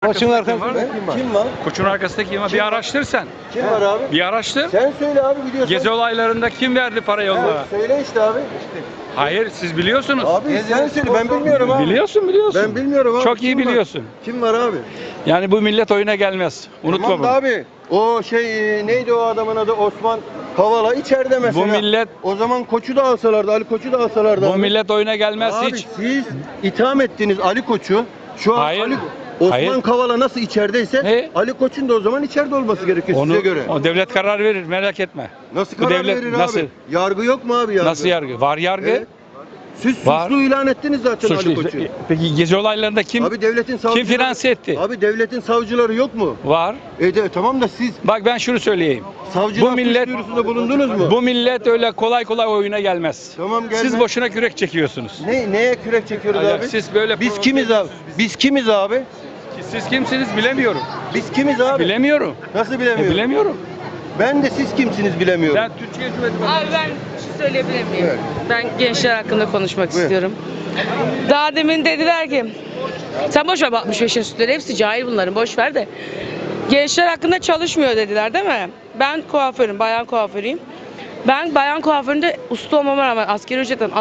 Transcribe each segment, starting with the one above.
Koçun arkasında Kim var? Koçun arkasında kim var? Bir araştır sen. Kim var abi? Bir araştır. Sen söyle abi biliyorsun. Gezi olaylarında kim verdi parayı onlara? Evet, söyle işte abi. Hayır, siz biliyorsunuz. Abi sen söyle, ben bilmiyorum abi. Biliyorsun. Ben bilmiyorum abi. Çok iyi Kim var? biliyorsun. Kim var abi? Yani bu millet oyuna gelmez. Unutma Tamam bunu. da abi. O neydi o adamın adı? Osman Kavala içeride mesela. Bu millet O zaman Koç'u da alsalardı, Ali Koç'u da alsalardı. bu abi. millet oyuna gelmez Abi hiç. siz itham ettiniz Ali Koç'u. Şu an Hayır. Osman Hayır. Kavala nasıl içerideyse Ne? Ali Koç'un da o zaman içeride olması gerekiyor size göre. O devlet karar verir, merak etme. Nasıl bu karar devlet verir nasıl? abi? Yargı yok mu abi yargı? Nasıl yargı? Var yargı. Evet. Siz Var. suçlu ilan ettiniz zaten Ali Koç'u. Peki gezi olaylarında kim Abi devletin savcıları... kim finanse etti? Abi devletin savcıları yok mu? Var. Tamam da siz Bak ben şunu söyleyeyim. savcılığa Bu millet- suç duyurusunda bulundunuz mu? Bu millet öyle kolay kolay oyuna gelmez. Tamam gelmez. Siz boşuna kürek çekiyorsunuz. Neye kürek çekiyoruz Ya abi? siz böyle Biz kimiz abi? Biz kimiz abi? Siz kimsiniz bilemiyorum. Biz kimiz abi? Bilemiyorum. Nasıl bilemiyorum? Bilemiyorum. Ben de siz kimsiniz bilemiyorum. Ben Türkiye Cumhuriyeti Abi ben bir şey söyleyebilir miyim? Evet. Ben gençler hakkında konuşmak Buyur. istiyorum. Daha demin dediler ki, sen boş ver 65 yaş üstleri, hepsi cahil bunların, boş ver de. Gençler hakkında çalışmıyor dediler değil mi? Ben kuaförüm, bayan kuaförüyüm. Ben bayan kuaföründe usta olmama rağmen asgari ücretten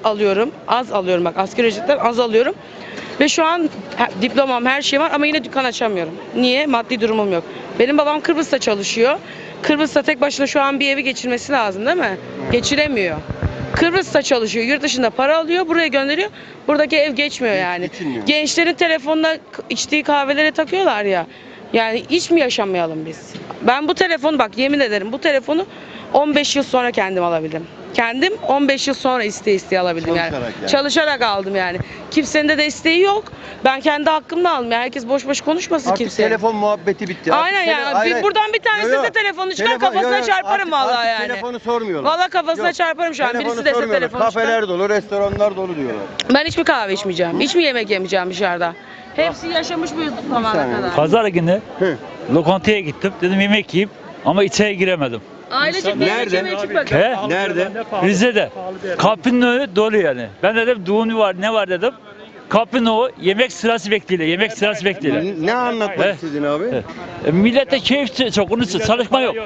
az alıyorum bak, asgari ücretten az alıyorum. Ve şu an diplomam, her şeyim var ama yine dükkan açamıyorum. Niye? Maddi durumum yok. Benim babam Kıbrıs'ta çalışıyor. Kıbrıs'ta tek başına şu an bir evi geçirmesi lazım değil mi? Geçiremiyor. Kıbrıs'ta çalışıyor, yurt dışında para alıyor, buraya gönderiyor. Buradaki ev geçmiyor yani. Geçinmiyor. Gençlerin telefonla içtiği kahvelere takıyorlar ya. Yani hiç mi yaşamayalım biz? Ben bu telefonu bak yemin ederim bu telefonu 15 yıl sonra kendim alabildim. Kendim 15 yıl sonra isteye alabildim yani. Çalışarak aldım yani. Kimsenin de desteği yok. Ben kendi hakkımla aldım. Yani herkes boş boş konuşmasın Artık kimseye. telefon muhabbeti bitti. Aynen yani. Buradan bir tanesi de telefonu çıkar kafasına çarparım vallahi yani. Telefonu sormuyorlar. Vallahi kafasına Yok. çarparım şu an. Telefonu Birisi dese sormuyorlar. telefonu Kafeler çıkar. dolu, restoranlar dolu diyorlar. Ben hiç mi kahve içmeyeceğim? Hiç mi yemek yemeyeceğim dışarıda? Hepsi yaşamış bu zamana saniye. kadar. Pazar günü Hı. lokantaya gittim. Dedim yemek yiyeyim ama içeri giremedim. Ailecek bir yemek Nerede? yemeye çıkmak. He? Nerede? Rize'de. Kapının önü dolu yani. Ben dedim düğün var ne var dedim. Kapının o yemek sırası bekliyor. Yemek sırası bekliyor. Ne anlatmak He. istedin abi? Millete keyif çok. Onun için çalışma yok.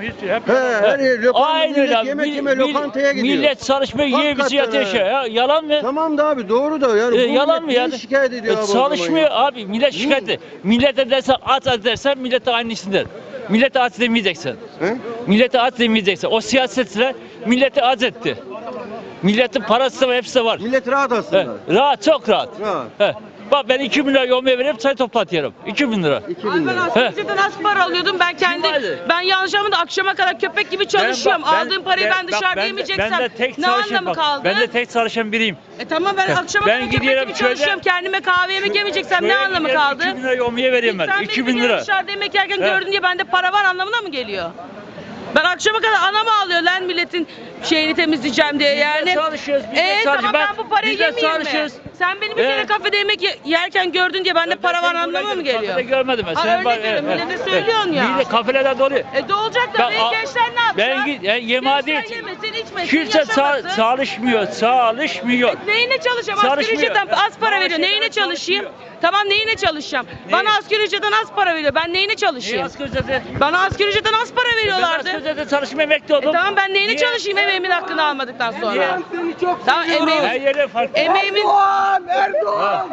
Her yer lokanta, Aynen millet öyle. yemek yeme lokantaya gidiyor. Millet çalışmıyor, yiyor Hakikaten bizi yatıyor ha. şey. Ya, yalan mı? Tamam da abi doğru da yani. Bu Yalan mı millet yani? niye şikayet ediyor abi o zaman çalışmıyor ya? abi. Millet şikayet ediyor. Millete dersen at dersen millete aynısını der. Millete at demeyeceksin. He? Millete at demeyeceksin. O siyasetçiler milleti az etti. Milletin parası var, hepsi var. Millet rahat He, aslında. rahat, çok rahat. Rahat. He. Bak ben 2 bin lira yomya verip çay toplatıyorum. 2 bin lira. 2000 Abi ben lira. asgari ücretten az para alıyordum. Ben ben yanlış anlamadım akşama kadar köpek gibi çalışıyorum. Aldığım parayı ben dışarıda yemeyeceksem ne anlamı kaldı? Ben de tek çalışan biriyim. Tamam ben akşama Ben kadar köpek gidiyorum gibi köyde- çalışıyorum. Kendime kahve yemek yemeyeceksem ne anlamı kaldı? 2 bin lira yomya veriyorum Sen ben. beni 2 bir bin kere lira. dışarıda yemek yerken He. gördün diye bende para var anlamına mı geliyor? Ben akşama kadar anam ağlıyor lan milletin şeyini temizleyeceğim diye yani. çalışıyoruz, biz de Tamam çalışıyoruz. ben bu parayı Biz de yemeyeyim mi? çalışıyoruz. Sen benim bir kere kafede yemek yerken gördün diye bende para var anlamına mı geliyor? Kafede görmedim ben. Aa, Sen örnek veriyorum, millete söylüyorsun ya. Millet kafelerde dolu. De olacak da benim gençler ne yapacak? Ben yemadi Gençler yemesin, içmesin, kimse yaşamasın. çalışmıyor. Neyine çalışacağım? Asgari Çalışmıyor. ücretten az para veriyor. Neyine çalışayım? Tamam neyine çalışacağım? Bana asgari ücretten az para veriyor. Ben neyine Niye çalışayım? asgari ücrete? Bana asgari ücretten az para Ben veriyorlardı. asgari ücrete çalışmaya emekli oldum. Tamam ben neyine Niye? çalışayım emeğimin hakkını almadıktan sonra? Niye? Tamam Her emeğim, yere farklı. emeğimin Erdoğan!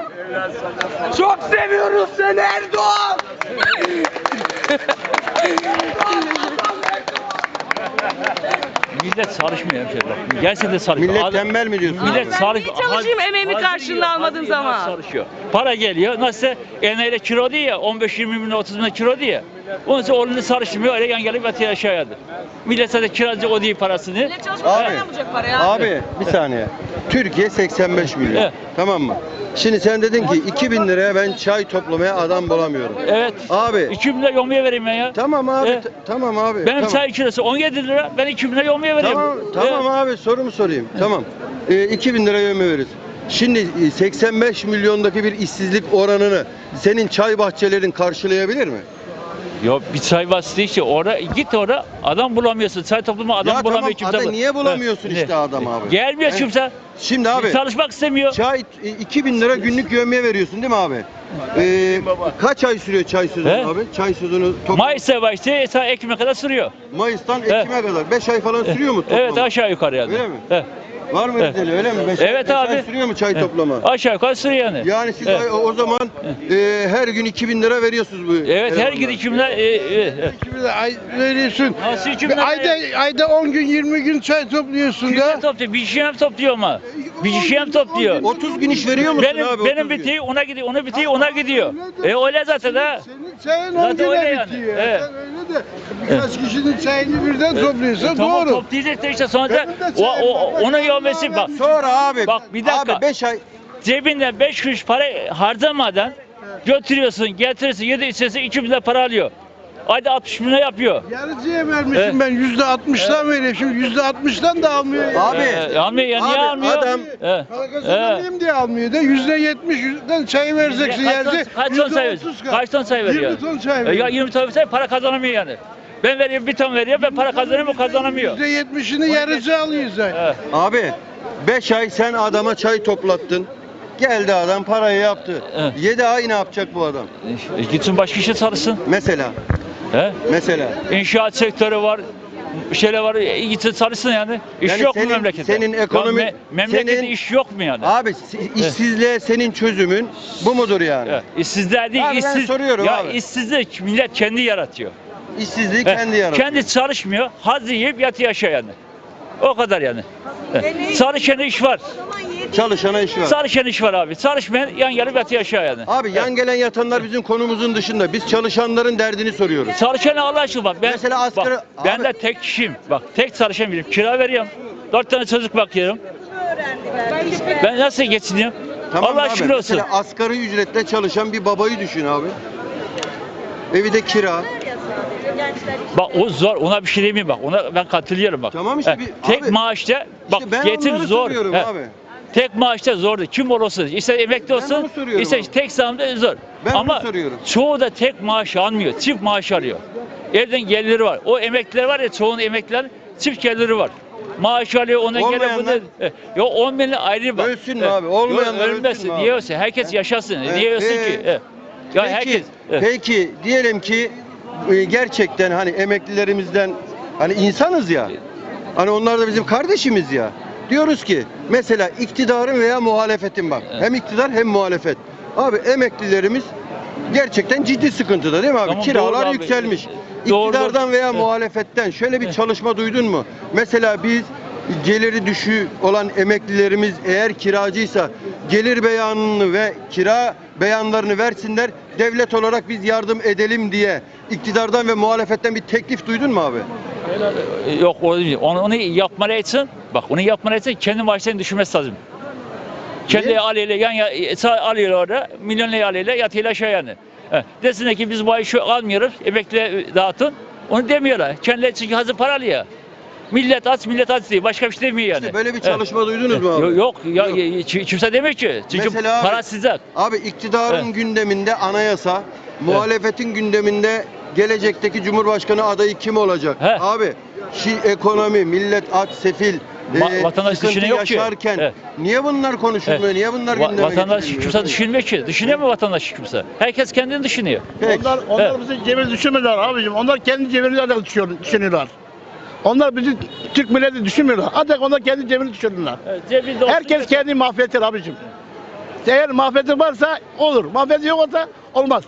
Çok seviyoruz seni Erdoğan! Millet çalışmıyor hemşehriler. Gerçekten çalışmıyor. Millet tembel mi diyorsun? Millet Ben çalış. niye çalışayım emeğimi karşılığında almadığım zaman? Çalışıyor. Para geliyor. Nasıl eneyle kilo diye ya 15-20 bin 30 bin kilo diye. Onun için oğlunu çalışmıyor. Öyle yan gelip yatıyor aşağıya. Millet zaten kiracı o değil parasını. Millet çalışmadan Abi, ne yapacak para ya? Abi bir saniye. Türkiye 85 milyon. Evet. Tamam mı? Şimdi sen dedin ki 2000 liraya ben çay toplamaya adam bulamıyorum. Evet. Abi 2 bin lira yomya vereyim ben ya. tamam abi Evet. tamam abi. Benim tamam. çay kilosu 17 lira. Ben 2 bin lira yomya vereyim. Tamam abi sorumu sorayım. Tamam. 2000 lira ömür veririz. Şimdi 85 milyondaki bir işsizlik oranını senin çay bahçelerin karşılayabilir mi? Yok bir çay bastı işte orada git orada adam bulamıyorsun. Çay topluma adam Ya bulamıyor tamam, kimse. adam niye bulamıyorsun işte adam abi? Gelmiyor He. kimse. Şimdi abi Çalışmak istemiyor. çay 2000 lira günlük yövmeye veriyorsun değil mi abi? Kaç ay sürüyor çay sezonu He? abi? Çay sezonu Mayıs'a başlıyor, ta Ekim'e kadar sürüyor. Mayıs'tan Ekim'e kadar 5 ay falan sürüyor mu toplam? Evet aşağı yukarı yani. Öyle mi? He. Var mı Evet. öyle öyle mi? Evet beş ay abi. sürüyor mu çay He. toplama? Aşağı yukarı sürüyor yani. Yani siz Evet. o zaman her gün 2000 lira veriyorsunuz bu. Evet her elemanlara. gün 2000'ler. Ay veriyorsun. Nasıl 2000'ler? Ayda 10 gün 20 gün çay topluyorsun Kimler da. topluyor? Bir kişi hem topluyor ama. Bir kişi hem topluyor. 30 gün iş veriyor musun Benim abi? benim 30 gün? bitiği ona gidiyor, onun bitiği ona gidiyor. Öyle zaten ha. Senin çayın Zaten 10 öyle güne yani. bitiyor. Evet. Sen öyle de birkaç kişinin çayını birden topluyorsan Tamam doğru. toplayacak da işte sonra da Benim de çayım var. onun yövmesi bak. Sonra abi. Bak, bir dakika. Abi 5 ay. Cebinden 5 kuruş para harcamadan götürüyorsun, getirirsin, yedi içerisi 2000 lira para alıyor. Ayda 60 bin lira yapıyor. Yarıcıya vermişim Evet. ben %60'dan veriyorum. Şimdi %60'dan da almıyor. Abi. Almıyor ya niye Abi, almıyor? adam- Evet. Para kazanamayayım diye almıyor da %70'den çay vereceksin yerde. Kaç ton çay veriyor? Kaç ton çay veriyor? 20 ton çay Ya veriyor. 20 ton çay para kazanamıyor yani. Ben veriyorum bir ton veriyor, ben para kazanıyorum o kazanamıyor. %70'ini yarıcı alıyor zaten. Evet. Abi 5 ay sen adama çay toplattın. Geldi adam parayı yaptı. Evet. 7 ay ne yapacak bu adam? Gitsin başka işe çalışsın. Mesela. He? Mesela. İnşaat sektörü var. Şeyler var. Gitsin çalışsın yani. İş Yani yok mu senin- memlekette? senin ekonomi- Ya memlekette senin- iş yok mu yani? Abi işsizliğe senin çözümün bu mudur yani? Evet. İşsizler değil, Abi ben işsiz. soruyorum ya abi. işsizlik millet kendi yaratıyor. İşsizliği He, kendi yaratıyor. Kendi çalışmıyor, haz yiyip yatıyor aşağı yani. O kadar yani. He. Çalışan iş var. Çalışana iş var. Çalışan iş var abi. Çalışmayan yan gelip yatıyor aşağı yani. Abi yan gelen yatanlar bizim konumuzun dışında. Biz çalışanların derdini soruyoruz. Çalışan Allah aşkına bak. Mesela asgari- bak, ben abi- de tek kişiyim. Bak tek çalışan biriyim. Kira veriyorum. 4 tane çocuk bakıyorum. Ben nasıl geçiniyorum? Tamam Allah abi. şükür olsun. Mesela asgari ücretle çalışan bir babayı düşün abi. Evi de kira. Bak o zor. Ona bir şey demeyeyim bak. Ona ben katılıyorum bak. Tamam işte He, bir- tek abi, maaşta bak İşte ben geçim onları zor. soruyorum He. abi. Tek maaşta zordu. Kim olursa ister emekli olsun, onu soruyorum ister abi. tek zamda zor. Ben onu Ama soruyorum. çoğu da tek maaş almıyor. Çift maaş alıyor. Evden geliri var. O emekliler var ya çoğunun emekliler çift geliri var. Maaş alıyor ona geliyor Olmayanlar? bunu. Yok 10 bin ayrı bak. Ölsün mü abi? Olmayanlar Yok, ölmesin. ölsün mü abi? Niye ölsün? Herkes yaşasın. Niye ölsün ki? Ya Peki, herkes. peki diyelim ki gerçekten hani emeklilerimizden hani insanız ya. Hani onlar da bizim kardeşimiz ya. Diyoruz ki mesela iktidarın veya muhalefetin bak. Evet. Hem iktidar hem muhalefet. Abi emeklilerimiz gerçekten ciddi sıkıntıda değil mi abi? Tamam, Kiralar doğru abi. yükselmiş. Doğru, İktidardan doğru. veya Evet. muhalefetten şöyle bir Evet. çalışma duydun mu? Mesela biz geliri düşük olan emeklilerimiz eğer kiracıysa gelir beyanını ve kira beyanlarını versinler. Devlet olarak biz yardım edelim diye iktidardan ve muhalefetten bir teklif duydun mu abi? Yok o değil. Onu yapmaları için bak onu yapmaları için kendi maaşlarını düşürmesi lazım. Kendi Niye? alıyla alıyor orada milyonlu alıyla yatıyla aşağı yani. Desinler ki biz bu ay şu almıyoruz emekliye dağıtın. Onu demiyorlar. Kendileri çünkü hazır para alıyor. Millet aç diye başka bir şey demiyor yani. İşte böyle bir çalışma duydunuz mu abi? Yok kimse demiyor ki. Çünkü Mesela abi- para sizden. Abi iktidarın Evet. gündeminde anayasa, muhalefetin gündeminde gelecekteki Cumhurbaşkanı adayı kim olacak? He. Abi ekonomi, millet aç, sefil, Vatandaş sıkıntı düşünüyor ki. yaşarken Evet. niye bunlar konuşulmuyor? Evet. Niye bunlar gündeme Vatandaş getirilmiyor? kimse düşünmüyor ki. Düşünüyor mu vatandaş kimse? Herkes kendini düşünüyor. Peki. Onlar Evet. bizi cebir düşünmüyorlar abicim. Onlar kendi cebirlerine düşünüyorlar. Onlar bizi Türk milleti düşünmüyorlar. Ancak onlar kendi cebini düşünüyorlar. Cebinde Herkes kendi mahvetir abicim. Eğer mahveti varsa olur. Mahveti yok olsa olmaz.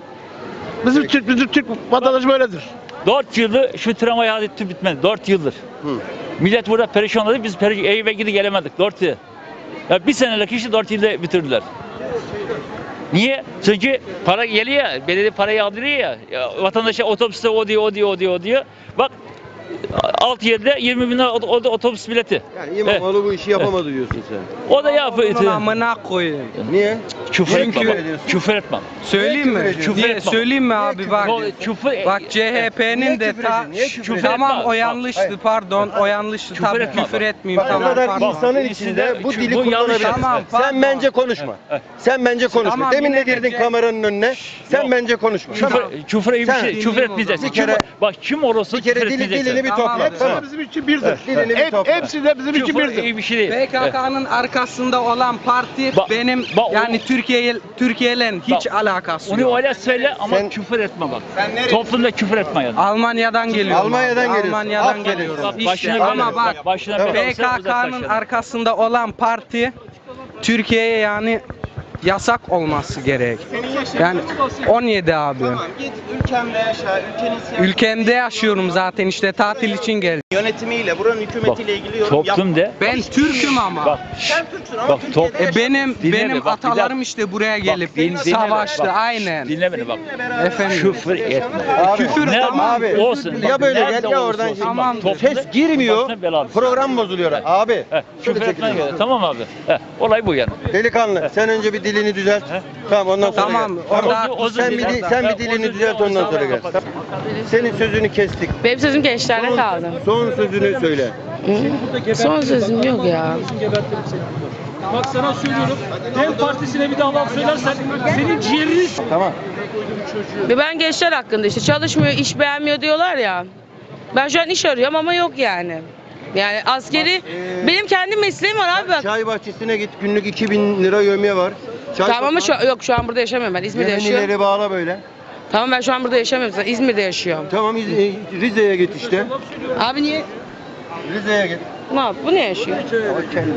Bizim Türk vatandaşı böyledir. 4 yıldır şu tramvay hadisi bitmedi. 4 yıldır. Hı. Millet burada perişan oldu. Biz eve gidi gelemedik. 4 yıl. Ya bir senelik işi 4 yılda bitirdiler. Niye? Çünkü para geliyor ya. Belediye parayı aldırıyor ya. Vatandaşa otobüste o diyor. Bak alt yerde 20 bin lira otobüs bileti. Yani İmamoğlu bu işi yapamadı diyorsun sen. O da yapıyor. Bunun amına koyayım. Niye? Küfür Niye etmem. küfür ediyorsun? Küfür etmem. Söyleyeyim mi? ediyorsun? Niye? Küfür Söyleyeyim mi abi bak. Küfür, Bak Niye CHP'nin de küfür ta ediyorsun? Niye küfür ediyorsun? tamam etme. o yanlıştı Hayır. pardon o yanlıştı Küfür tabii etme. küfür etmeyeyim Bak, o tamam kadar pardon. insanın Bak, içinde bu bu dili yanlış. kullanabilirsin. Tamam, Sen pardon. bence konuşma. Sen bence konuşma. Tamam, Demin yine de girdin bence- kameranın önüne. Sen Yok. bence konuşma. Tamam. Küfür iyi bir Sen- şey. Küfür etmeyeceksin. Bir kere- Bak kim olursa Bir kere küfür dilini etmeyeceksin. bir Tamam, topla. hepsi Tamam. Hepsi bizim için birdir. Dilini bir topla. Hepsi de bizim için Küfür birdir. iyi bir şey değil. PKK'nın arkasında olan parti Bak- benim bak o- yani Türkiye'yle hiç Bak, alakası Onu yok. öyle söyle ama Sen- küfür etme bak. Toplumda küfür etme yani. Almanya'dan geliyorum. Almanya'dan abi. geliyorsun. Almanya'dan Aferin. geliyorum. Bak, İşte, başına ama bela- bak başına Tamam. bela olsa uzaklaş PKK'nın yani. arkasında olan parti Türkiye'ye yani yasak olması gerek. Yani 17 abi. Git ülkemde yaşa, ülkenin siyasi Ülkemde yaşıyorum zaten işte tatil için geldim. yönetimiyle, buranın hükümetiyle ilgili yorum yapma. Toplumda Ben Türk'üm ama. bak Sen Türksün ama Bak, Türkiye'de top- yaşa. Benim Dinle bak, bir atalarım dakika. işte buraya gelip dinle savaştı bak. aynen. dinle beni bak. Efendim. Küfür etme. Abi, Küfür Ne tamam. abi. olsun. Ya bak, böyle nerede gel ya olursa oradan olsun, şimdi. Tamam. bak, toplumda Ses girmiyor. başına bela alsın. Program bozuluyor. Abi. He, Şöyle küfür etmen çekilin. gerek. Tamam abi. He, olay bu yani. Delikanlı sen önce bir dilini düzelt. Tamam ondan sonra Tamam, gel. orada Sen bir dilini düzelt ondan sonra gel. Senin sözünü kestik. Benim sözüm gençlerde kaldı. Son sözünü söyle. Son sözüm yok ya. Bak sana söylüyorum. Dem Partisi'ne bir daha laf söylersen senin ciğerini Tamam. Ve ben gençler hakkında işte çalışmıyor, iş beğenmiyor diyorlar ya. Ben şu an iş arıyorum ama yok yani. Yani askeri, benim kendi mesleğim var abi bak. Çay bahçesine git günlük 2000 lira yövmiye var. Çay Tamam ama yok şu an burada yaşamıyorum ben. İzmir'de yaşıyorum. Yemenileri bağla böyle. Tamam ben şu an burada yaşamıyorum. Zaten İzmir'de yaşıyorum. Tamam Rize'ye git işte. Abi niye? Rize'ye git. Ne yap? Bu ne yaşıyor? O kello.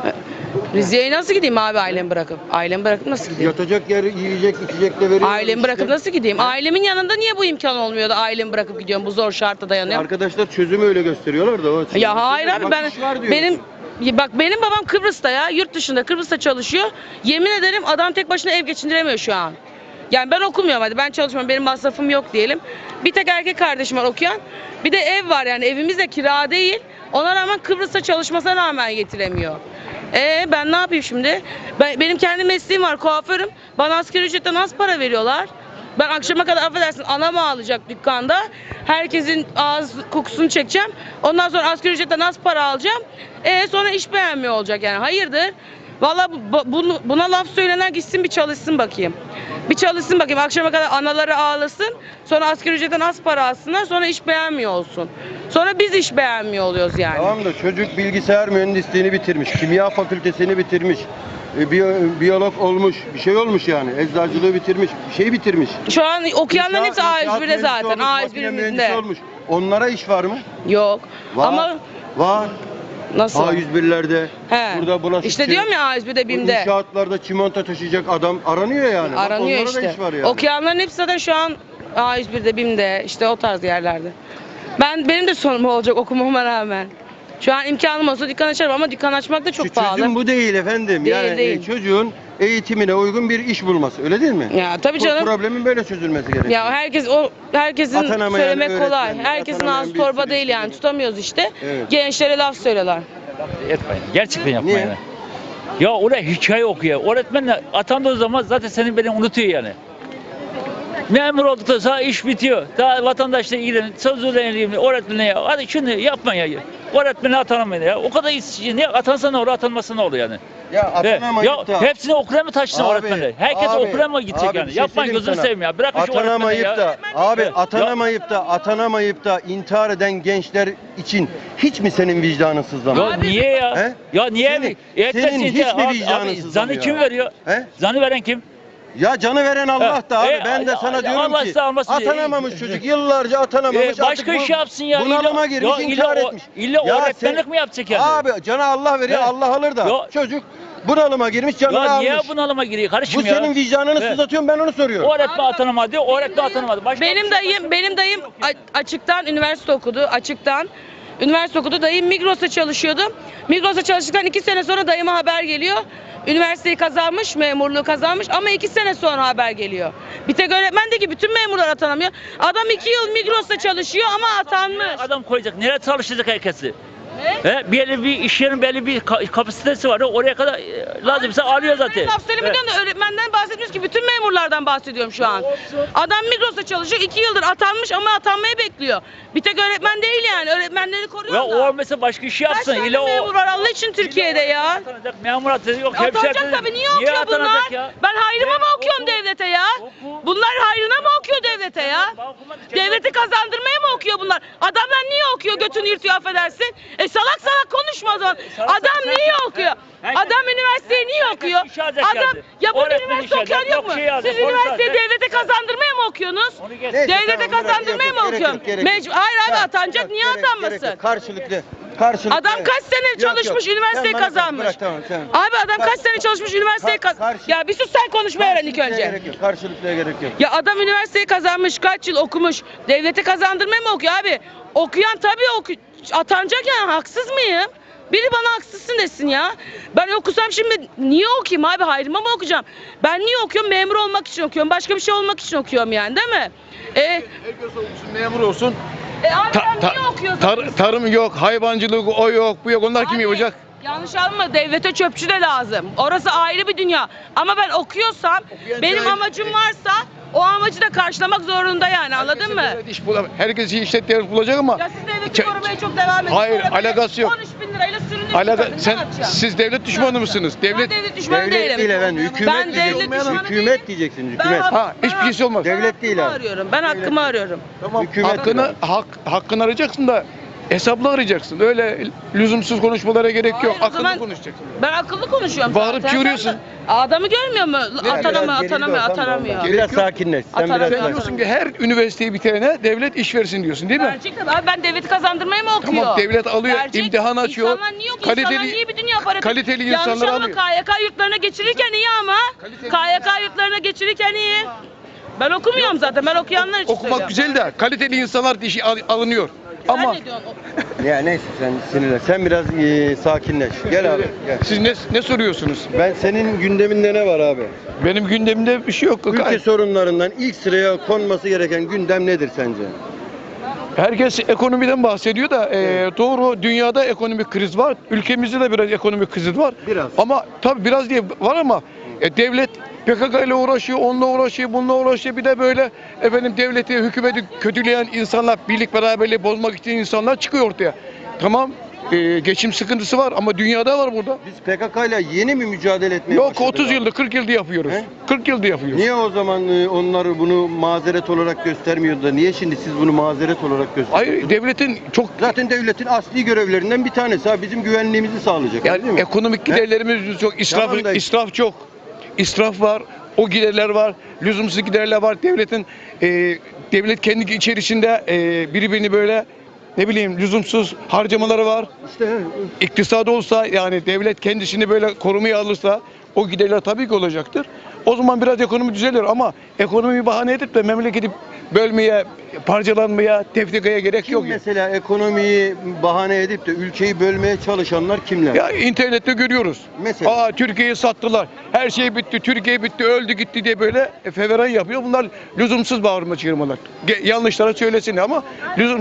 Rize'ye nasıl gideyim abi ailemi bırakıp? Ailemi bırakıp nasıl gideyim? Yatacak yer, yiyecek, içecek de veriyor. Ailemi bırakıp nasıl gideyim? Ailemin yanında niye bu imkan olmuyor da ailemi bırakıp gidiyorum? Bu zor şartta dayanıyorum. Arkadaşlar çözümü öyle gösteriyorlar da. O Ya hayır abi Bak, ben iş var diyorsun. benim babam Kıbrıs'ta ya yurt dışında Kıbrıs'ta çalışıyor. Yemin ederim adam tek başına ev geçindiremiyor şu an. Yani ben okumuyorum hadi ben çalışmıyorum benim masrafım yok diyelim. Bir tek erkek kardeşim var okuyan. Bir de ev var yani evimiz de kira değil. Ona rağmen Kıbrıs'ta çalışmasına rağmen getiremiyor. Ben ne yapayım şimdi? Benim kendi mesleğim var kuaförüm. Bana asgari ücretten az para veriyorlar. Ben akşama kadar affedersin anam ağlayacak dükkanda. Herkesin ağız kokusunu çekeceğim. Ondan sonra asgari ücretten az para alacağım. Sonra iş beğenmiyor olacak yani. Hayırdır? Vallahi buna laf söylenen gitsin bir çalışsın bakayım. Bir çalışsın bakayım. Akşama kadar anaları ağlasın. Sonra asgari ücretten az para alsınlar. Sonra iş beğenmiyor olsun. Sonra biz iş beğenmiyor oluyoruz yani. Tamam da çocuk bilgisayar mühendisliğini bitirmiş, kimya fakültesini bitirmiş, biyolog olmuş, bir şey olmuş yani. Eczacılığı bitirmiş, bir şey bitirmiş. Şu an okuyanların hepsi İnşaat A101'de mühendisi zaten. olmuş, makine mühendisi A101'imizde. olmuş. Onlara iş var mı? Yok. Var. Ama Var. nasıl? A101'lerde, He. burada bulaşıkçı. İşte diyorum ya A101'de BİM'de. İnşaatlarda çimento taşıyacak adam aranıyor yani. Bak, Aranıyor onlara da işte. iş var yani. Okuyanların hepsi zaten şu an A101'de, BİM'de işte o tarz yerlerde. Benim de sonum olacak okumama rağmen. Şu an imkanım olsa dükkan açarım ama dükkan açmak da çok Şu pahalı. çözüm bu değil efendim. Değil, yani değil. çocuğun eğitimine uygun bir iş bulması. Öyle değil mi? Ya tabii Bu canım. problemin böyle çözülmesi gerekiyor. Ya herkesin Atanamayan söylemek kolay. öğretmen, Herkesin atanamayan ağzı bir torba sürü değil yani. işçi. Tutamıyoruz işte. Evet. Gençlere laf söylüyorlar. Etmeyin. Gerçekten yapmayın. Niye? yani. Ya oraya hikaye okuyor. Öğretmenle atandığı zaman zaten seni beni unutuyor yani. Memur olduktan sonra iş bitiyor. Daha vatandaşla ilgilenin, sözlerle ilgilenin, öğretmenle ya. Hadi şunu yapmayın ya. Öğretmene atanamayın ya. O kadar işçi, niye atansa ne olur, atanmasa ne olur yani. Ya atanamayıp da. Hepsini okula mı taşısın Abi, öğretmenler? Herkes abi, okula mı gidecek abi yani? bir şey Yapmayın söyleyeyim gözünü sana. seveyim ya. Bırakın şu öğretmeni Atanamayıp ya. da abi Evet. atanamayıp da intihar eden gençler için hiç mi senin vicdanın sızlamıyor? Ya niye ya? He? Ya niye Senin- mi? Etmesin senin ya. hiç mi Abi, vicdanın abi, sızlamıyor? zanı kim veriyor? He? Zanı veren kim? Ya canı veren Allah da abi. E, Ben de sana diyorum Allah ki size almasın. atanamamış çocuk yıllarca atanamamış. Başka artık iş yapsın ya. Bunalıma girmiş intihar etmiş. İlla Ya öğretmenlik sen- mi yapacak yani? Abi cana Allah veriyor He. Allah alır da Ya- çocuk bunalıma girmiş canını Ya niye almış. bunalıma giriyor Bu kardeşim ya? senin vicdanını He. sızlatıyorum ben onu soruyorum. Öğretmen atanamadı diyor, öğretmen atanamadı. Başka Benim dayım açıktan üniversite okudu. Açıktan Üniversite okudu. Dayım Migros'ta çalışıyordu. Migros'ta çalıştıktan 2 sene sonra dayıma haber geliyor. Üniversiteyi kazanmış, memurluğu kazanmış ama 2 sene sonra haber geliyor. Bir tek öğretmen de ki bütün memurlar atanamıyor. Adam 2 yıl Migros'ta çalışıyor ama atanmış. Adam koyacak. Nereye çalıştıracak herkesi? Belli bir iş yerinin belli bir kapasitesi var. Oraya kadar lazımsa alıyor zaten. Laf söylemiyorum da öğretmenden bahsetmiyoruz ki bütün memurlardan bahsediyorum şu an. Adam Migros'ta çalışıyor 2 yıldır atanmış ama atanmayı bekliyor. Bir tek öğretmen değil yani öğretmenleri koruyor Ya da. o mesela başka iş yapsın. Kaç tane memur var Allah için Türkiye'de ya? Atanacak, memur atanacak, yok hemşire Atanacak atanacak. tabii niye okuyor bunlar? atanacak ya? Ben hayrıma mı okuyorum Oku. devlete ya? Oku. Bunlar hayrına mı okuyor devlete ya? Devleti kazandırmaya mı okuyor bunlar? Adamlar niye okuyor götünü yırtıyor affedersin? Salak salak konuşma o zaman. Adam niye okuyor? Adam üniversiteyi niye okuyor? Adam ya burada üniversite okuyan yok mu? Siz üniversiteyi devlete kazandırmaya mı okuyorsunuz? Neyse, Devlete tamam, kazandırmaya mı gerek yok, okuyorsun? gerek yok. Hayır abi Tamam, atanacak yok, niye gerek yok. atanmasın? Karşılıklı. Adam kaç sene Yok, çalışmış yok. üniversiteyi Sen bana kazanmış. bırak, tamam, sen. Abi adam kaç sene çalışmış üniversiteyi kazanmış. Ya bir sus sen konuşmayı öğren ilk önce. Gerek yok. Karşılıklıya gerek yok. Ya adam üniversiteyi kazanmış, kaç yıl okumuş. Devlete kazandırmaya mı okuyor abi? Okuyan tabii atanacak yani haksız mıyım? Biri bana haksızsın desin ya. Ben okusam şimdi niye okuyayım abi? Hayrıma mı okuyacağım? Ben niye okuyorum? Memur olmak için okuyorum. Başka bir şey olmak için okuyorum yani değil mi? Herkes olsun, memur olsun. Abi sen niye okuyorsun? Tarım yok, hayvancılık o yok, bu yok. Onlar kim Abi, yapacak? Yanlış anlama devlete çöpçü de lazım. Orası ayrı bir dünya. Ama ben okuyorsam benim cahil- amacım varsa o amacı da karşılamak zorunda yani anladın mı? Herkes işlet devlet bulacak ama Ya siz devleti korumaya çok devam ediyorsunuz. Hayır, Sonra böyle alakası yok. 13.000 lirayla sürünüp siz devlet düşmanı mısınız? Ben devlet düşmanı Devlet değilim. değil efendim. Hükümet Ben devlet diyeceksiniz. düşmanı Hükümet değilim. diyeceksiniz. Ben Hükümet. Hiçbir şeysi olmaz. Devlet değil hakkımı abi. arıyorum. Ben hakkımı arıyorum. Hükümet Hakkını arayacaksın da hesaplı arayacaksın. Öyle lüzumsuz konuşmalara gerek yok. Hayır, o Akıllı zaman konuşacaksın. Ben akıllı konuşuyorum. Bağırıp zaten. çığırıyorsun. Adamı görmüyor mu? Atanamıyor. Biraz Gerek yok. sakinleş. Sen biraz Atanamıyor. Sen sakin. diyorsun ki her üniversiteyi bitirene devlet iş versin diyorsun değil mi? Gerçekten abi ben devleti kazandırmaya mı okuyor? Tamam, devlet alıyor, imtihan açıyor. İnsanlar niye okuyor? İnsanlar niye bir dünya para kaliteli Yanlış insanları anlama, alıyor. KYK yurtlarına geçirirken iyi ama. KYK yurtlarına geçirirken iyi. Ben okumuyorum zaten. Ben okuyanlar için Okumak söylüyorum. güzel de kaliteli insanlar işi alınıyor. Ama Sen ne diyorsun? Ya neyse sen sinirlen. Sen biraz sakinleş. Gel abi. Gel. siz ne soruyorsunuz? Ben senin gündeminde ne var abi? Benim gündemimde bir şey yok. Ülke sorunlarından ilk sıraya konması gereken gündem nedir sence? Herkes ekonomiden bahsediyor da doğru, dünyada ekonomik kriz var. Ülkemizde de biraz ekonomik kriz var. Biraz. Ama tabii biraz diye var ama devlet PKK ile uğraşıyor, onunla uğraşıyor, bununla uğraşıyor. Bir de böyle devleti, hükümeti kötüleyen insanlar, birlik beraberliği bozmak için insanlar çıkıyor ortaya. Tamam, geçim sıkıntısı var ama dünyada var burada. Biz PKK ile yeni mi mücadele etmeye Yok, başladık 30 abi? yıldır, 40 yıldır yapıyoruz. He? 40 yıldır yapıyoruz. Niye o zaman onlar bunu mazeret olarak göstermiyordu da niye şimdi siz bunu mazeret olarak gösteriyorsunuz? Hayır, devletin çok Zaten devletin asli görevlerinden bir tanesi ha bizim güvenliğimizi sağlayacak. değil yani mi? ekonomik giderlerimiz çok, Tamam da- israf çok. İsraf var, o giderler var, lüzumsuz giderler var. Devlet kendi içerisinde birbirini böyle lüzumsuz harcamaları var. İşte İktisadi olsa yani devlet kendisini böyle korumaya alırsa o giderler tabii ki olacaktır. O zaman biraz ekonomi düzelir ama ekonomiyi bahane edip de memleketi bölmeye, parçalanmaya, tefrikaya gerek kim yok. mesela ekonomiyi bahane edip de ülkeyi bölmeye çalışanlar kimler? Ya internette görüyoruz. Mesela? Türkiye'yi sattılar. Her şey bitti, Türkiye bitti, öldü gitti diye böyle feveran yapıyor. Bunlar lüzumsuz bağırma çığırmalar. Yanlışlara söylesin ama lüzum.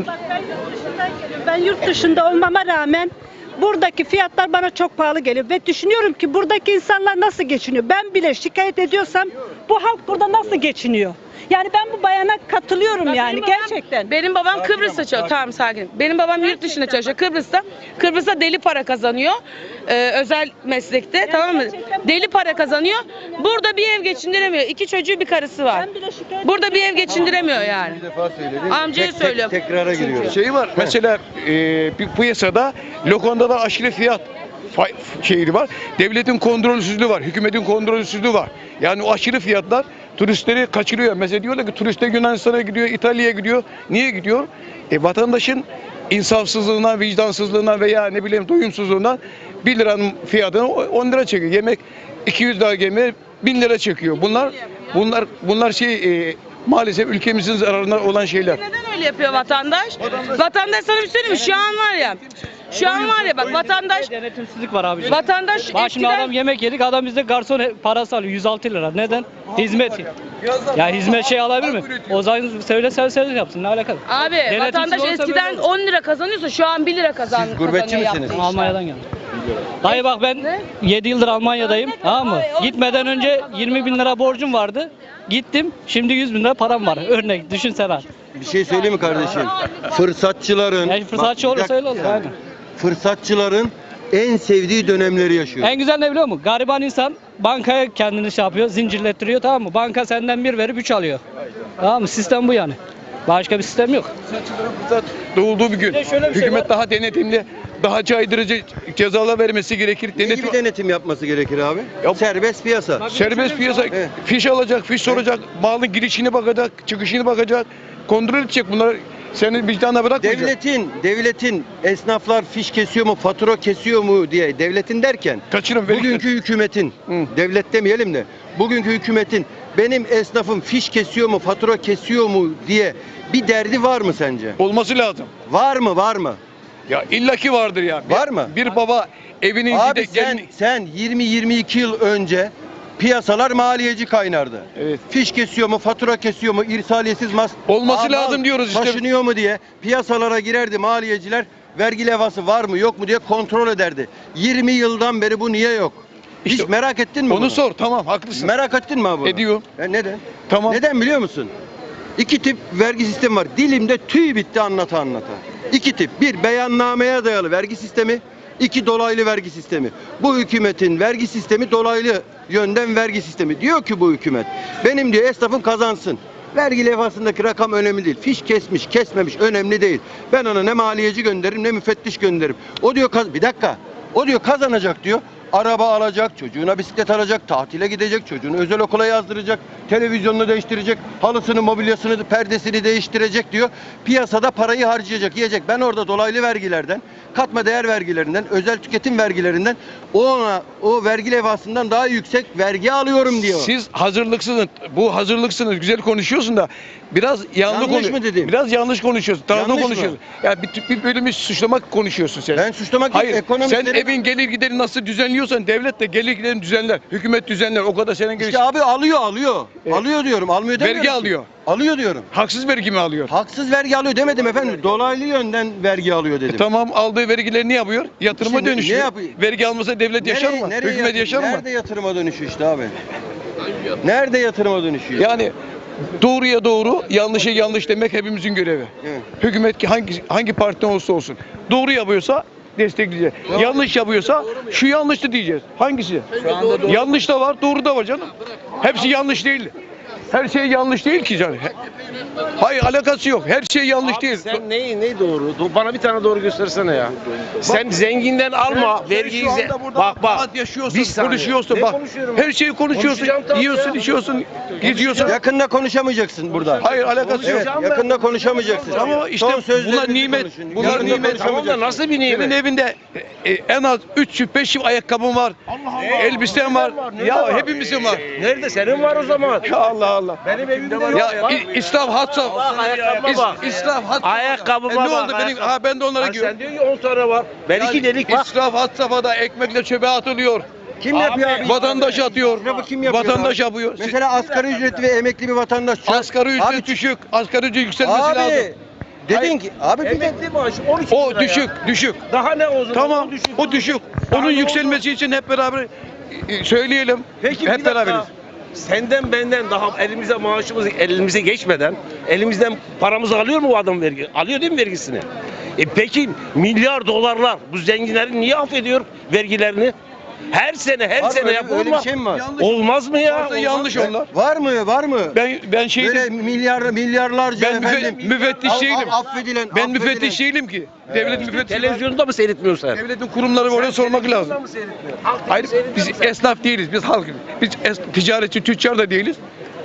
Ben yurt dışında olmama rağmen buradaki fiyatlar bana çok pahalı geliyor ve düşünüyorum ki buradaki insanlar nasıl geçiniyor? Ben bile şikayet ediyorsam bu halk burada nasıl geçiniyor? Yani ben bu bayana katılıyorum yani gerçekten. Benim babam Kıbrıs'ta çalışıyor. Tamam sakin. Benim babam yurt dışında çalışıyor. Kıbrıs'ta deli para kazanıyor. Özel meslekte tamam mı? Deli para kazanıyor. Burada bir ev geçindiremiyor. 2 çocuğu bir karısı var. Ben bile şikayet Burada bir ev geçindiremiyor yani. Bir defa söyledim. Amcaya söylüyorum. Tekrara giriyorum. Şey var mesela bir piyasada lokantada aşırı fiyat şeyi var. Devletin kontrolsüzlüğü var. Hükümetin kontrolsüzlüğü var. Yani o aşırı fiyatlar turistleri kaçırıyor. Mesela diyorlar ki turistler Yunanistan'a gidiyor, İtalya'ya gidiyor. Niye gidiyor? Vatandaşın insafsızlığına, vicdansızlığına veya doyumsuzluğuna 1 liranın fiyatını 10 lira çekiyor. Yemek 200 lira yemeğe 1000 lira çekiyor. Bunlar maalesef ülkemizin zararına olan şeyler. Neden öyle yapıyor vatandaş? Vatandaş sana bir söyleyeyim mi? Şu an var ya bak vatandaş Denetimsizlik var abi. vatandaş Bak şimdi eskiden adam yemek yedik, adam bizde garson parası alıyor 106 lira. Neden? Hizmet. Ya hizmet şey alabilir mi? O zaman söyle yapsın, ne alakalı? abi Denetimsiz vatandaş olsa eskiden böyle olur. 10 lira kazanıyorsa şu an 1 lira kazanıyor. Siz gurbetçi misiniz? yaptığı işler. Almanya'dan geldim. Dayı bak ben 7 yıldır Almanya'dayım, tamam mı? Gitmeden önce 20 bin lira borcum vardı. Gittim, şimdi 100 bin lira param var. Örnek düşünsene abi. Bir şey söyleyeyim mi kardeşim? Fırsatçıların Yani fırsatçı Bak, bir olursa öyle olur. dakika. Aynen. Fırsatçıların en sevdiği dönemleri yaşıyor. En güzel ne biliyor musun? Gariban insan bankaya kendini şey yapıyor, zincirlettiriyor, tamam mı? Banka senden 1 verip 3 alıyor. Tamam mı? Sistem bu yani. Başka bir sistem yok. Fırsat doğulduğu bir gün. Bir de şöyle bir şey Hükümet var. daha denetimli, daha caydırıcı cezalar vermesi gerekir. Ne gibi denetim yapması gerekir abi? Ya- Serbest piyasa. Serbest piyasa, Evet. fiş alacak, fiş soracak, malın girişini bakacak, çıkışını bakacak, kontrol edecek bunları. Senin vicdanına bırakmayacak. Devletin esnaflar fiş kesiyor mu, fatura kesiyor mu diye devletin derken Kaçırın, verin. bugünkü hükümetin, Hı. devlet demeyelim de bugünkü hükümetin benim esnafım fiş kesiyor mu, fatura kesiyor mu diye bir derdi var mı sence? Olması lazım. Var mı? Ya illaki vardır ya. Var mı? Bir baba evinin Abi içinde sen 20-22 yıl önce piyasalar maliyeci kaynardı. Evet. Fiş kesiyor mu, fatura kesiyor mu, irsaliyetsiz Olması lazım diyoruz işte. Taşınıyor mu diye piyasalara girerdi maliyeciler. Vergi levhası var mı yok mu diye kontrol ederdi. 20 yıldan beri bu niye yok? İşte Hiç merak ettin mi onu bunu? sor, tamam, haklısın. Merak ettin mi abi bunu? Ediyorum. Neden? Tamam. Neden biliyor musun? İki tip vergi sistemi var. Dilimde tüy bitti anlata. İki tip. Bir, beyannameye dayalı vergi sistemi. İki, dolaylı vergi sistemi. Bu hükümetin vergi sistemi dolaylı yönden vergi sistemi. Diyor ki bu hükümet, benim diyor esnafım kazansın. Vergi levhasındaki rakam önemli değil. Fiş kesmiş, kesmemiş önemli değil. Ben ona ne maliyeci gönderirim ne müfettiş gönderirim. O diyor bir dakika. O diyor kazanacak diyor. Araba alacak, çocuğuna bisiklet alacak, tatile gidecek, çocuğunu özel okula yazdıracak, televizyonunu değiştirecek, halısını, mobilyasını, perdesini değiştirecek diyor. Piyasada parayı harcayacak, yiyecek. Ben orada dolaylı vergilerden, katma değer vergilerinden, özel tüketim vergilerinden o vergi levhasından daha yüksek vergi alıyorum diyor. Siz hazırlıksınız. Bu hazırlıksınız. Güzel konuşuyorsun da biraz Yanlış mı dedim? Biraz yanlış konuşuyorsun. Tanrı Yanlış konuşuyorsun. Ya bir bölümü suçlamak konuşuyorsun sen. Ben suçlamak değil, Hayır. Sen ekonomistlerin- evin gelir gideri nasıl düzenliyorsan devlet de gelir giderini düzenler. Hükümet düzenler. O kadar senin İşte abi alıyor. Alıyor diyorum. Almıyor demiyorum Vergi ki. alıyor. Alıyor diyorum. Haksız vergi mi alıyor? Haksız vergi alıyor demedim efendim. Dolaylı yönden vergi alıyor dedim. Tamam, aldığı vergileri ne yapıyor? Yatırıma İşte ne dönüşüyor. yapıyor? Vergi almasa devlet yaşar mı? Hükümet yaşar mı? Nerede yatırıma dönüşüyor işte abi? Nerede yatırıma dönüşüyor? Yani doğruya doğru, yanlışa yanlış demek hepimizin görevi. Evet. Hükümet ki hangi partiden olursa olsun. Doğru yapıyorsa destekleyeceğiz. Yanlış yapıyorsa şu yanlıştı diyeceğiz. Hangisi? Yanlış da var, doğru da var canım. Hepsi yanlış değil. Her şey yanlış değil ki canım. Hayır, alakası yok. Her şey yanlış değil. Sen ne doğru? Bana bir tane doğru göstersene ya. Sen zenginden alma, vergiyi Şu anda burada bak. rahat yaşıyorsun, Bir saniye. konuşuyorsun Ne bak. konuşuyorum? Her şeyi konuşuyorsun. Konuşacağım tabii Yiyorsun, ya. içiyorsun, geziyorsun. Yakında konuşamayacaksın burada. Hayır, alakası yok. Evet, yakında konuşamayacaksın. Ama işte Son sözlerinizi bunlar nimet. konuşun. Bunlar Yakında nimet. Tamam da nasıl bir nimet? Senin evinde en az 3 çift 5 çift ayakkabın var. Elbisen var. Ya hepimizin var. Nerede? Senin var o zaman. Ya Allah Allah. Benim evimde var. Ya İslam had safhada. Bak, ayakkabıma bak. İslam had safhada. Ayakkabıma Ne bak, oldu benim? ayakkabı. Ben de onlara Sen giyiyorum. diyor ki 10 tane var. Ben 2 delik bak. İsraf had safhada, ekmekle çöpe atılıyor. Kim yapıyor abi? Vatandaş atıyor. İsrafı kim yapıyor Vatandaş abi? yapıyor. Mesela asgari ücretli ve emekli bir vatandaş. Asgari ücret Abi, düşük. Asgari ücret yükselmesi Abi lazım. dedin ki abi bir de Emekli maaşı 12 O lira düşük, ya. düşük. Daha ne o zaman? Tamam, O düşük. o düşük. Daha Onun ne yükselmesi için hep beraber söyleyelim. Peki bir hep dakika. beraberiz. Senden benden daha elimize geçmeden elimizden paramızı alıyor mu bu adam vergi? Alıyor değil mi vergisini? Peki milyar dolarlar bu zenginlerin niye affediyor vergilerini? Her sene Var mı? Öyle yapılmaz. bir şey mi var? Olmaz mı ya? Varsa Olmaz yanlış mı? onlar. Var mı? Ben Böyle şeydim. milyarlarca Ben efendim. müfettiş değilim. Affedilen. Ben müfettiş değilim ki. Devlet müfettişi var. Televizyonda mı seyretmiyorsun sen? Devletin kurumları var, oraya sormak lazım. Televizyonda mı seyretmiyorsun? Halk Hayır, seyrediyor biz mu sen? esnaf değiliz, biz halkız. Biz ticaretçi, tüccar da değiliz.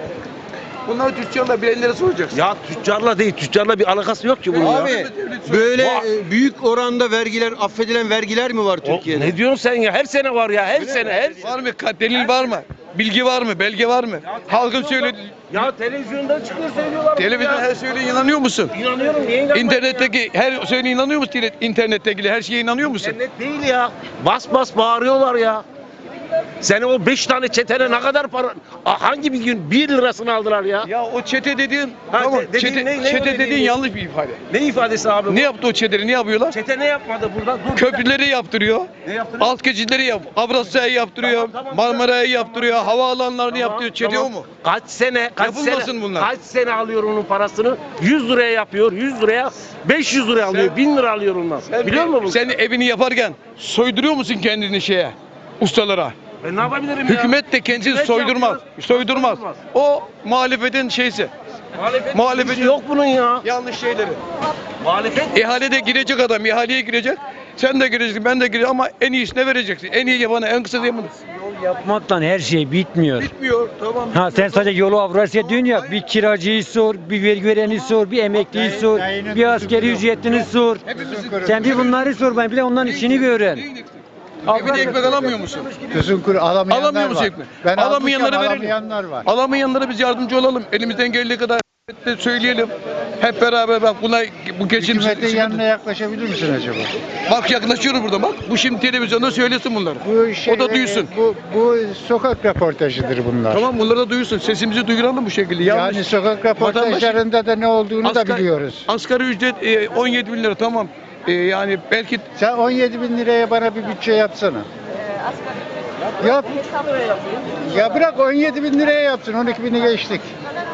Bunları tüccarla bilenlere soracaksın. Ya tüccarla değil, tüccarla bir alakası yok ki bunun ya. Abi böyle büyük oranda vergiler, affedilen vergiler mi var O- Türkiye'de? Ne diyorsun sen ya? Her sene var ya, her sene, her Var mı? Delil var mı? Bilgi var mı? Belge var mı? Halkın söyledi. Ya televizyonda çıkıyor söylüyorlar. Televizyon her söylediğine inanıyor musun? İnanıyorum. Niye inanmayayım İnternetteki her söylediğine inanıyor musun? İnternettekile her şeye inanıyor ya? musun? İnternet değil ya. Bas bas bağırıyorlar ya. Senin o 5 tane çetene ne kadar para? Hangi bir gün 1 lirasını aldılar ya? Ya o çete dediğin, Ha, tamam, dediğin çete, ne o çete dediğin? dediğin yanlış bir ifade. Ne ifadesi abi bu? Ne yaptı o çeteleri, ne yapıyorlar? Çete ne yapmadı burada? Dur, Köprüleri yaptırıyor. Ne yaptırıyor? Alt geçitleri Avrasya'yı yaptırıyor. Tamam, Marmara'yı yaptırıyor. Havaalanlarını yaptırıyor. Çete tamam. o mu? Kaç sene, Yapılmasın bunlar. Kaç sene alıyor onun parasını? 100 liraya yapıyor, 100 liraya, 500 liraya alıyor, 1000 lira alıyor ondan. Biliyor musun bunu? Sen evini yaparken soyduruyor musun kendini şeye? Ustalara. Ben ne yapabilirim ya? Hükümet de kendisini Hükümet soydurmaz. yapıyor. Soydurmaz. O muhalefetin şeysi. Muhalefetin şey yok bunun ya. yanlış şeyleri. Muhalefet İhalede girecek adam, ihaleye girecek. Sen de gireceksin, ben de gireceğim ama en iyisine vereceksin. En iyi yapana, en kısa yapana. Yapmaktan her şey bitmiyor. Bitmiyor, tamam. Ha sen sadece yolu Avrasya diyorsun ya, bir kiracıyı sor, bir vergi vereni sor, bir emekliyi sor, bir askeri ücretini sor. Sen bir bunları sor, ben bile onların işini öğren. Evine ekmek alamıyor musun? Tüzün kuru alamayanlar Alamıyor musun var. ekmek? Ben Alamayanlara almışım, verelim. alamayanlar var. Alamayanlara biz yardımcı olalım. Elimizden geldiği kadar de söyleyelim. Hep beraber bak buna bu geçim Hükümetin yanına yaklaşabilir misin acaba? Bak yaklaşıyoruz burada bak. Bu şimdi televizyonda söylesin bunları. O da duysun. Bu sokak röportajıdır bunlar. Tamam bunları da duysun. Sesimizi duyuralım bu şekilde. Yanlış. Yani sokak röportajlarında da ne olduğunu da biliyoruz. Asgari ücret 17 bin lira tamam. Yani belki Sen 17 bin liraya bana bir bütçe yapsana. Yap. Ya bırak 17 bin liraya yapsın. 12 bini geçtik.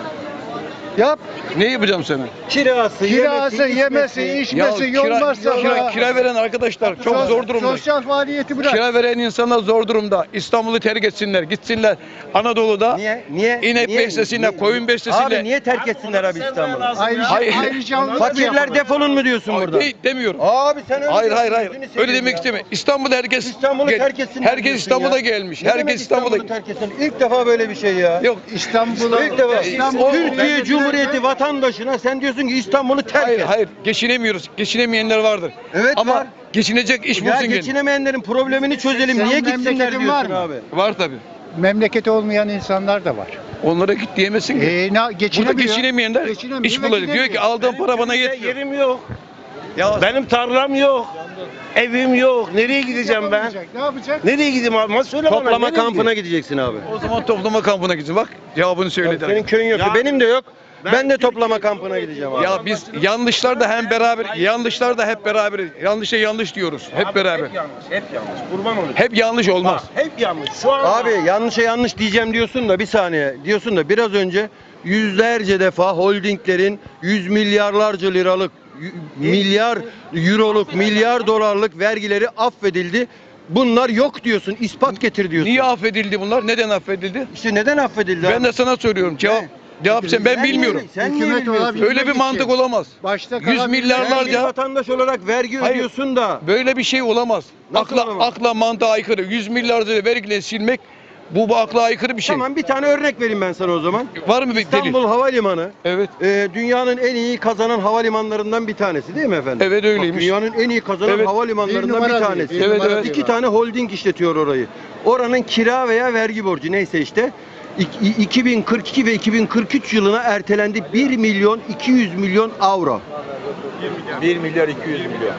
Yap. ne yapacağım sana? Kirası, Yemesi, içmesi, yol masrafı. kira veren arkadaşlar çok zor durumda. Sosyal faaliyeti bırak. Kira veren insanlar zor durumda. İstanbul'u terk etsinler, gitsinler. Anadolu'da Niye? inek beslesinler, koyun beslesinler. Abi niye terk etsinler abi İstanbul'u? Ayrıca Fakirler defolun mu diyorsun burada? Demiyorum. Abi sen öyle Hayır diyorsun, hayır. gözünü Öyle seveyim demek ya. istemiyorum. İstanbul herkes İstanbul'u terk etsinler herkes diyorsun İstanbul'a ya. gelmiş. Ne demek Herkes İstanbul'a terk etsin? İlk defa böyle bir şey ya. Yok İstanbul'a İlk defa. İstanbul- Türkiye Cumhuriyeti vatandaşına sen diyorsun ki İstanbul'u terk hayır et. hayır geçinemiyoruz. Geçinemeyenler vardır. Evet, ama var. geçinecek iş Ya bulsun kendine. geçinemeyenlerin problemini çözelim. Senin Niye gitsinler memleketin var diyorsun mı? abi? Var tabii. memleketi olmayan insanlar da var. Onlara git diyemezsin ki. Burada geçinemeyenler iş bulacak. Diyor ki aldığım para bana yetmiyor. yerim yok. Ya Benim tarlam yok. Evim yok. Nereye gideceğim ben? Ne yapacak? Nereye gideyim abi? Söyle bana. Toplama nereye kampına gideyim? gideceksin abi. o zaman toplama kampına gidin. Bak cevabını söyledi. Senin köyün yok. Ya- Benim de yok. Ben de Türkiye- toplama kampına gideceğim abi. Ya biz yanlışlar da hem beraber, yanlışlar da hep beraber. Yanlışa yanlış diyoruz. Hep beraber. Hep yanlış. Hep yanlış. Kurban olayım. Hep yanlış olmaz. Hep yanlış. Şu an Abi yanlışa yanlış diyeceğim diyorsun da bir saniye diyorsun da biraz önce yüzlerce defa holdinglerin yüz milyarlarca liralık, milyar euroluk, milyar dolarlık vergileri affedildi. Bunlar yok diyorsun, ispat getir diyorsun. Niye affedildi bunlar? Neden affedildi? İşte neden affedildi? Ben de sana soruyorum. Cevap sen ben bilmiyorum. Sen niye Hükümet bilmiyorsun? olabilir. Öyle bir mantık olamaz. Başta 100 kalan Sen bir milyarlarca vatandaş olarak vergi Hayır. ödüyorsun da. böyle bir şey olamaz. Nasıl olamaz? Akla mantığa aykırı. 100 milyarca vergiyle silmek bu akla aykırı bir şey. Tamam bir tane örnek vereyim ben sana o zaman. Var mı bir delil? İstanbul Havalimanı Evet. dünyanın en iyi kazanan havalimanlarından bir tanesi değil mi efendim? Evet öyleymiş. Bak, dünyanın en iyi kazanan Evet. havalimanlarından Bir bir numara tanesi. değil, bir Evet, numara evet. değil. 2 tane holding işletiyor orayı. Oranın kira veya vergi borcu neyse işte 2042 ve 2043 yılına ertelendi 1 milyon 200 milyon avro. 1 milyar 200 milyon.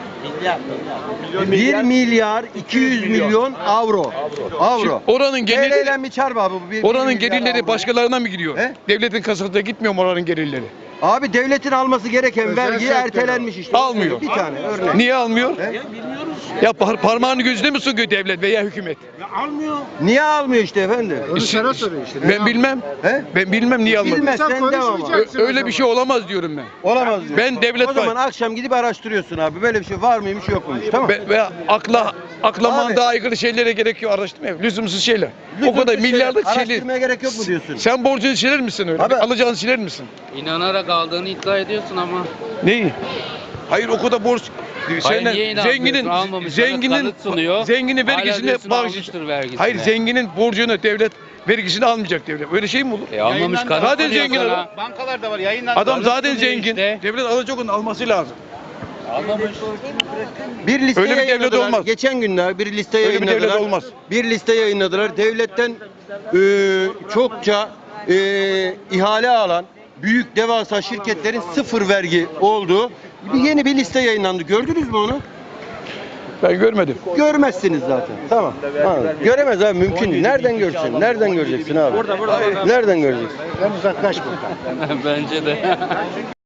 1 milyar 200 milyon avro. Avro. Oranın gelirleri TL'den bir çarp abi bu. oranın milyar gelirleri avro. başkalarına mı gidiyor? He? Devletin kasasına gitmiyor mu oranın gelirleri? Abi devletin alması gereken Özel vergi sektör ertelenmiş işte. Almıyor. Bir tane örnek. Niye almıyor? He? Ya parmağını gözüne mi sokuyor devlet veya hükümet? almıyor. Niye almıyor işte efendim? Onu sana soruyor işte. Ben bilmem. He? Ben bilmem niye almadı. Bilmezsen Sen devam abi. konuşmayacaksın. Öyle bir şey olamaz diyorum ben. Olamaz diyor. Ben devlet O zaman akşam gidip araştırıyorsun abi. Böyle bir şey var mıymış yok muymuş tamam. Ve akla Abi. mantığa aykırı şeylere gerek yok araştırmaya. Lüzumsuz şeyler. O kadar Lüzumsuz milyarlık şeyler. şeyler. Araştırmaya gerek yok mu diyorsun? Sen borcunu siler misin öyle? Abi- Alacağını siler misin? İnanarak aldığını iddia ediyorsun ama. Neyi? Hayır o kadar borç. Senden niye inanmıyorsun? zenginin Almamış, kanıt sunuyor. zenginin Hala vergisini diyorsun bağış. almıştır vergisini. Hayır zenginin borcunu devlet vergisini almayacak devlet. Öyle şey mi olur? Almamış kanıt Zaten sunuyor zengin sana. adam. Bankalarda var yayınlandı. Adam zaten sunuyor zengin. işte. Devlet alacak onu alması lazım. Almamış. Bir liste Öyle bir devlet yayınladılar. olmaz. Geçen günler bir liste Öyle bir yayınladılar. devlet olmaz. Bir liste yayınladılar. Devletten çokça ihale alan büyük devasa şirketlerin sıfır vergi olduğu yeni bir liste yayınlandı. Gördünüz mü onu? Ben görmedim. Görmezsiniz zaten. Tamam. Göremez abi, mümkün değil. Nereden görsün? Nereden göreceksin abi? Nereden göreceksin? Ben uzaklaş buradan. Bence de.